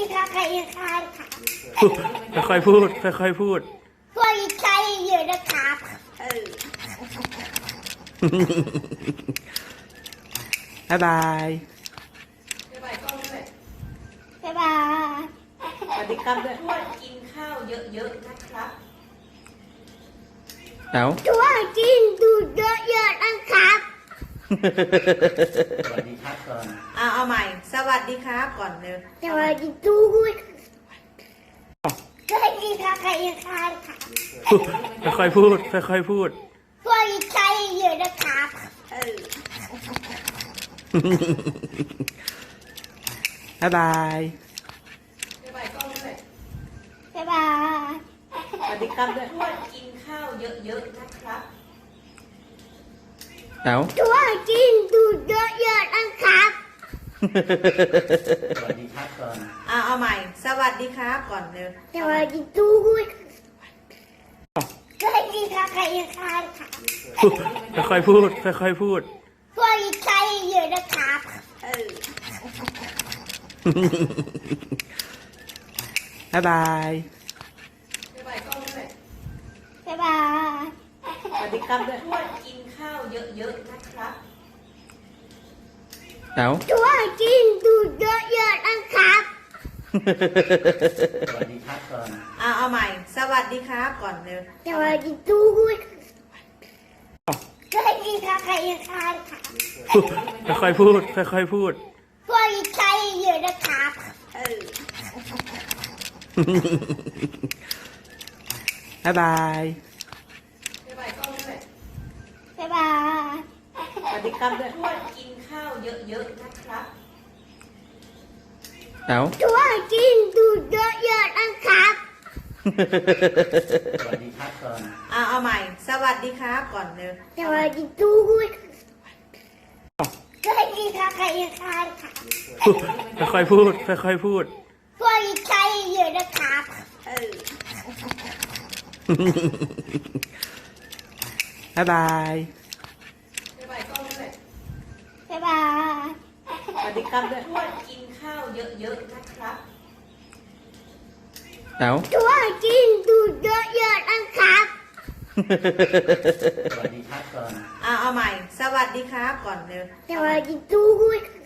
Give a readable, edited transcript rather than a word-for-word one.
ค่ะใครค่ะค่ะค่อยๆพูดค่อยๆพูดพวกใครอยู่นะครับบ๊ายบายบ๊ายบายกล้องด้วยบ๊ายบายสวัสดีครับด้วยทวดกินข้าวเยอะๆนะครับเอ้าทุกกินดูเยอะๆนะครับสวัสดีครับก่อนเอาใหม่ สวัสดีครับก่อนเร็วสวัสดีทุกคนสวัสดีค่ะใครค่ะค่ะค่อยๆพูดค่อยๆพูดพวกใครอยู่นะครับบ๊ายบายบ๊ายบายกล้องด้วยบ๊ายบายสวัสดีครับด้วยทวดกินข้าวเยอะๆนะครับเอ้าทุกกินดูเยอะๆนะครับสวัสดีครับก่อนเอาใหม่ สวัสดีครับก่อนเร็วสวัสดีทุกคนสวัสดีค่ะใครค่ะค่ะค่อยๆพูดค่อยๆพูดพวกใครอยู่นะครับบ๊ายบายบ๊ายบายกล้องด้วยบ๊ายบายสวัสดีครับด้วยทวดกินข้าวเยอะๆนะครับเอ้าทุกกินดูเยอะๆนะครับสวัสดีครับก่อนเอาใหม่ สวัสดีครับก่อนเร็วสวัสดีทุกคนสวัสดีค่ะใครค่ะค่ะค่อยๆพูดค่อยๆพูดพวกใครอยู่นะครับบ๊ายบายบ๊ายบายกล้องด้วยบ๊ายบายสวัสดีครับด้วยทวดกินข้าวเยอะๆนะครับเอ้าทุกกินดูเยอะๆนะครับสวัสดีครับก่อนเอาใหม่ สวัสดีครับก่อนเร็วสวัสดีทุกคนสวัสดีค่ะใครค่ะค่ะค่อยๆพูดค่อยๆพูดพวกใครอยู่นะครับบ๊ายบายบ๊ายบายกล้องด้วยบ๊ายบายสวัสดีครับด้วยทวดกินข้าวเยอะๆนะครับเอ้าทุกกินดูเยอะๆนะครับสวัสดีครับก่อนเอาใหม่ สวัสดีครับก่อนเร็วสวัสดีทุกคน